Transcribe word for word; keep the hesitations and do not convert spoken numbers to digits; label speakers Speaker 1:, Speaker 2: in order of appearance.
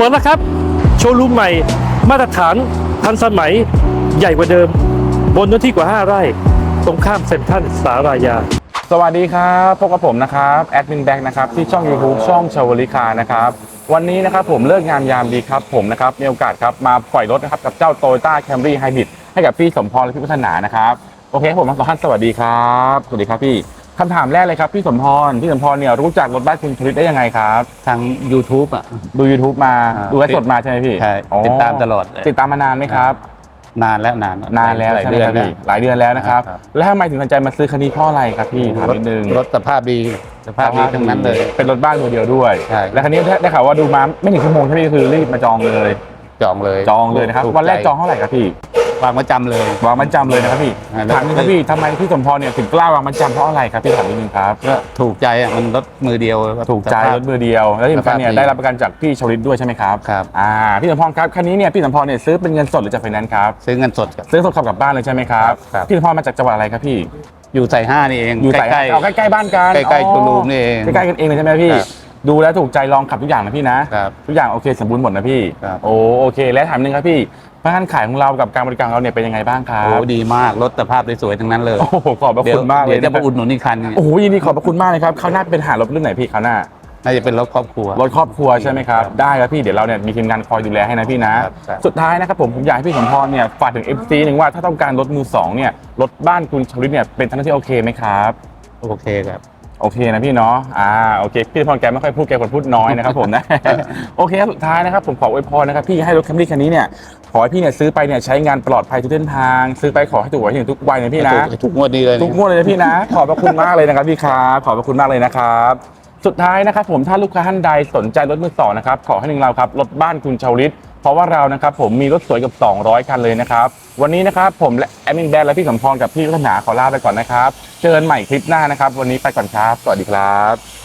Speaker 1: ปิดแล้วครับโชว์รูมใหม่มาตรฐานทันสมัยใหญ่กว่าเดิมบนเนื้อที่กว่าห้าไร่ตรงข้ามเซ็นทรัลสารายา
Speaker 2: สวัสดีครับพบกับผมนะครับแอดมินแบ็กนะครับที่ช่อง YouTube ช่องชาวลิคานะครับวันนี้นะครับผมเลิกงามยามดีครับผมนะครับมีโอกาสครับมาปล่อยรถนะครับกับเจ้า Toyota Camry Hybrid ให้กับพี่สมพรและพี่พัฒนานะครับโอเคผมทั้งสองท่านสวัสดีครับสวัสดีครับพี่คำถามแรกเลยครับพี่สมพรพี่สมพรเนี่ยรู้จักรถบ้านคุณชลิตได้ยังไงครับ
Speaker 3: ทาง YouTube อ่ะ
Speaker 2: ดู YouTube มาดูไลฟ์สดมาใช่ไหมพี่
Speaker 3: ใช่ติดตามตลอด
Speaker 2: ติดตามมานานไหมครับ
Speaker 3: นานแล้วนาน
Speaker 2: นานแล้วหลายเดือนพี่หลายเดือนแล้วนะครับแล้วทำไมถึงสนใจมาซื้อคันนี้เพราะอะไรครับพี่ถามนิดนึง
Speaker 3: รถสภาพดีสภาพดีทั้งนั้นเลย
Speaker 2: เป็นรถบ้านมือเดียวด้วย
Speaker 3: ใช่
Speaker 2: แล้วคันนี้ได้ข่าวว่าดูมาไม่ถึงชั่วโมงใช่ไหมคือรีบมาจองเลย
Speaker 3: จองเลย
Speaker 2: จองเลยนะครับวันแรกจองเท่าไหร่ครับพี่
Speaker 3: วางมาจำเลยว
Speaker 2: างมาจำเลยนะครับพี่ถามนิดนึงครับพี่ทำไมพี่สมพรเนี่ยถึงกล้าวางมาจำเพราะอะไรครับพี่ถามนิดนึงครับ
Speaker 3: ก็ถูกใจอ่ะมันรถมือเดียว
Speaker 2: ถูกใจรถมือเดียวแล้วที่สำคัญเนี่ยได้รับประกันจากพี่ชลิตด้วยใช่ไหมครับ
Speaker 3: ครับ
Speaker 2: อ่าพี่สมพรครับคันนี้เนี่ยพี่สมพรเนี่ยซื้อเป็นเงินสดหรือจากไฟแนนซ์ครับ
Speaker 3: ซื้อเงินสด
Speaker 2: ซื้อสดขับกลับบ้านเลยใช่ไหมครับพี่สมพรมาจากจังหวัดอะไรครับพี่
Speaker 3: อยู่สายห้านี่เอง
Speaker 2: อยู่ใกล้ๆเอาใกล้ๆบ้านกัน
Speaker 3: ใกล้ๆโชว์รูมนี่เอง
Speaker 2: ใกล้ๆกันเองเลยใช่ไหมพี่ดูแล้วถูกใจลองขับทุกอย่างนะพี่นะทุกอย่างโอเคสมบูรณ์หมดนะพี่โอ้โอเคแล้วถามนึงครับพี่พนักงานขายของเรากับการบริการเราเนี่ยเป็นยังไงบ้างครับ
Speaker 3: โอ้ดีมากรถสภาพสวยๆทั้งนั้นเลย
Speaker 2: โอ้โหขอบพระคุณมากเลย
Speaker 3: เดี๋ยวจะมาอุดหนุนอีกคัน
Speaker 2: โอ้โหยินดีขอบพระคุณมากเลยครับคราวหน้าเป็นหารถรุ่นไหนพี่คราวหน้า
Speaker 3: น่าจะเป็นรถครอบครัว
Speaker 2: รถครอบครัวใช่ไหมครับได้ครับพี่เดี๋ยวเราเนี่ยมีทีมงานคอยดูแลให้นะพี่นะสุดท้ายนะครับผมผมอยากให้พี่สมพรเนี่ยฝากถึง เอฟ ซี หนึ่งว่าถ้าต้องการรถมือสองเนี่ยรถบ้านคุณชลิตเนี่ยเป็นทางที่โอเคไหมครับ
Speaker 3: โอเคครับ
Speaker 2: โอเคนะพี่เนาะอ่าโอเคพี่สมพรแกไม่ค่อยพูดแกคนพูดน้อยนะครับผมนะโอเคสุดท้ายนะครับผมขออวยพรนะครับพี่ให้รถคัมรี่คันนี้เนี่ยขอให้พี่เนี่ยซื้อไปเนี่ยใช้งานปลอดภัยทุกเส้นทางซื้อไปขอให้ถูกหวยถึงทุกวัยนะพี่นะ
Speaker 3: ทุกงวดนี้เลย
Speaker 2: ทุกงวดเลยนะพี่นะขอบพระคุณมากเลยนะครับพี่ครับขอบพระคุณมากเลยนะครับสุดท้ายนะครับผมถ้าลูกค้าท่านใดสนใจรถมือสองนะครับขอให้หนึ่งเราครับรถบ้านคุณชลิตเพราะว่าเรานะครับผมมีรถสวยกับสองร้อยคันเลยนะครับวันนี้นะครับผมและแอดมินแบนและพี่สมพรกับพี่พัฒนาขอลาไปก่อนนะครับเจอกันใหม่คลิปหน้านะครับวันนี้ไปก่อนครับสวัสดีครับ